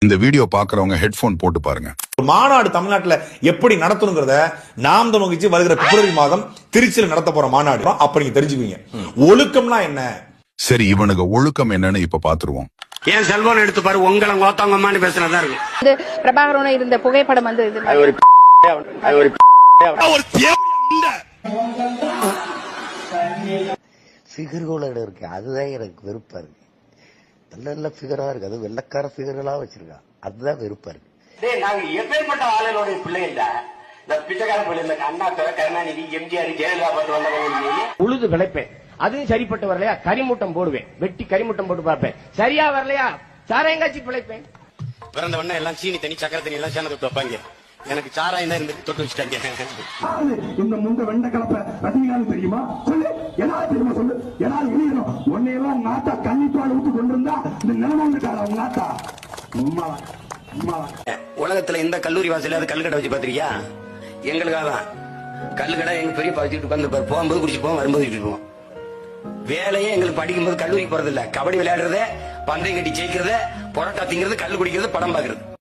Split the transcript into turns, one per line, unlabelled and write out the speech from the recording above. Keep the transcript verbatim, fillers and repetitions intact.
இந்த வீடியோ பாக்குறவங்க ஹெட்போன் போட்டு பாருங்க.
மாநாடு தமிழ்நாட்டுல எப்படி நடத்தணுங்கிறத நாம் நோக்கிச்சு வருகிற பிப்ரவரி மாதம் திருச்சியில் நடத்த போற மாநாடு அப்ப நீங்க தெரிஞ்சுக்குவீங்க ஒழுக்கம்னா என்ன.
சரி, இவனுக்கு ஒழுக்கம் என்னன்னு இப்ப பாத்துருவோம்.
ஏன் செல்போன் எடுத்து பாரு, உங்களை கோத்தாங்கம்மான்னு பேசுறதா இருக்கு.
இது பிரபாகரனோட இருந்த புகைப்படம் வந்து இது
ஃபிகர்களோட இருக்கு, அதுதான் எனக்கு வெறுப்பா இருக்கு. நல்ல நல்ல ஃபிகரா இருக்கு, அது வெள்ளக்கார ஃபிகர்களா வச்சிருக்கா, அதுதான் வெறுப்பா இருக்கு.
நாங்க எப்பேற்பட்ட ஆளுநருடைய பிள்ளை இல்ல, பிச்சைக்கார பிள்ளை இல்ல. அண்ணா துறை, கருணாநிதி, எம்ஜிஆர், ஜெயலலிதா பார்த்து வந்தவங்க உழுது விளைப்பேன். அதுவும் சரிப்பட்டு வரலையா கரிமூட்டம் போடுவேன், வெட்டி கரிமூட்டம் போட்டு பார்ப்பேன். சரியா வரலையா சாராயங்காட்சி பிழைப்பேன். பிறந்த உடனே எல்லாம் சீனி தண்ணி சக்கரை தண்ணி எல்லாம் சேர்ந்து தொட்டு வைப்பாங்க. எனக்கு சாராயம் தான் இருந்து தொட்டு வச்சுட்டாங்க.
இந்த முந்த வெண்ட கலப்ப ரஜினிகாந்த் தெரியுமா? சொல்லு, எதாவது தெரியுமா சொல்லு. எதாவது எழுதணும். உன்னையெல்லாம் உங்க ஆத்தா கன்னிப்பால் ஊத்து கொண்டிருந்தா இந்த நிலைமை வந்துட்டாரா உங்க ஆத்தா? உம்மா உம்மா.
உலகத்துல இந்த கல்லூரி வாசலாவது கல்லுக்கடை வச்சு பாத்திருக்கியா? எங்களுக்காக தான் கல்லுக்கடை எங்க பெரிய வச்சுட்டு உட்காந்து போகும்போது குடிச்சு போவோம், வரும்போது குடிச்சு போவோம். வேலையே எங்களுக்கு படிக்கும்போது கல்லூரிக்கு போறது இல்ல, கபடி விளையாடுறது, பந்தயம் கட்டி ஜெயிக்கிறது, பொரோட்டா திங்கிறது, கல்லு குடிக்கிறது, படம் பாக்குறது.